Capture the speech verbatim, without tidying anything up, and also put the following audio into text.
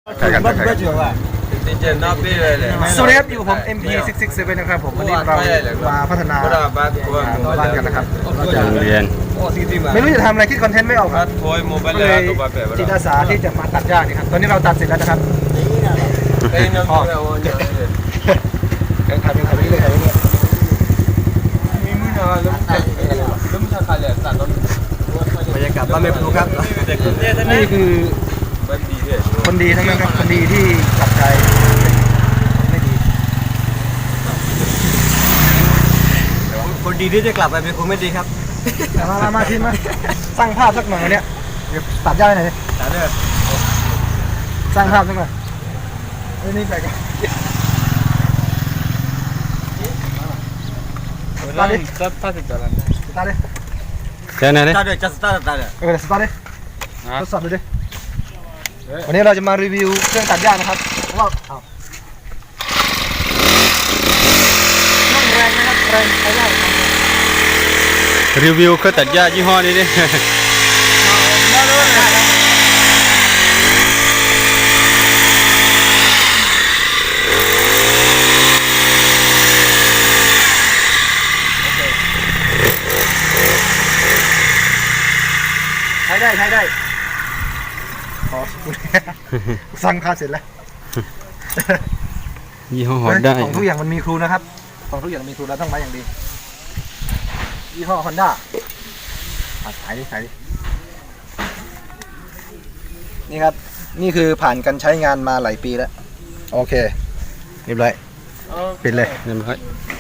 ใครกันใครกันสวัสดีครับอยู่ผม เอ็ม พี หก หก เจ็ด นะครับผมวันนี้เรามาพัฒนาบ้านกันนะครับจากโรงเรียนไม่รู้จะทำอะไรคิดคอนเทนต์ไม่ออกครับก็เลยจิตอาสาที่จะมาตัดหญ้านี่ครับตอนนี้เราตัดเสร็จแล้วนะครับเดินทำเองทำไปเรื่อยๆเรื่อยบรรยากาศบ้านไม่ปลูกครับนี่คือคนดีทั้งนั้นครับคนดีที่กลับใจไม่ดีคนดีที่จะกลับไปเป็นคนไม่ดีครับมามามาทีมาสร้างภาพสักหน่อยวันนี้เดี๋ยวตัดหญ้าหน่อยตัดเด้อสร้างภาพสักหน่อยนี่ไปกันตาดิตาตาดิตาดิตาดิแค่นั้นเลยตาดิจะสตาร์ทตาดิเออสตาร์ทดิทดสอบดูดิวันนี้เราจะมารีวิวเครื่องตัดหญ้านะครับว่าเอาต้องแรงนะครับแรงใช้ได้รีวิวเครื่องตัดหญ้ายี่ห้อนี้ดิใช้ได้ใช้ได้อ๋อสั่งค่าเสร็จแล้วยี่ห้อฮอนด้าของทุกอย่างมันมีครูนะครับของทุกอย่างมีครูเราต้องไว้อย่างดียี่ห้อฮอนด้าขายดิขายดินี่ครับนี่คือผ่านการใช้งานมาหลายปีแล้วโอเคเรียบร้อยปิดเลยเรียบร้อย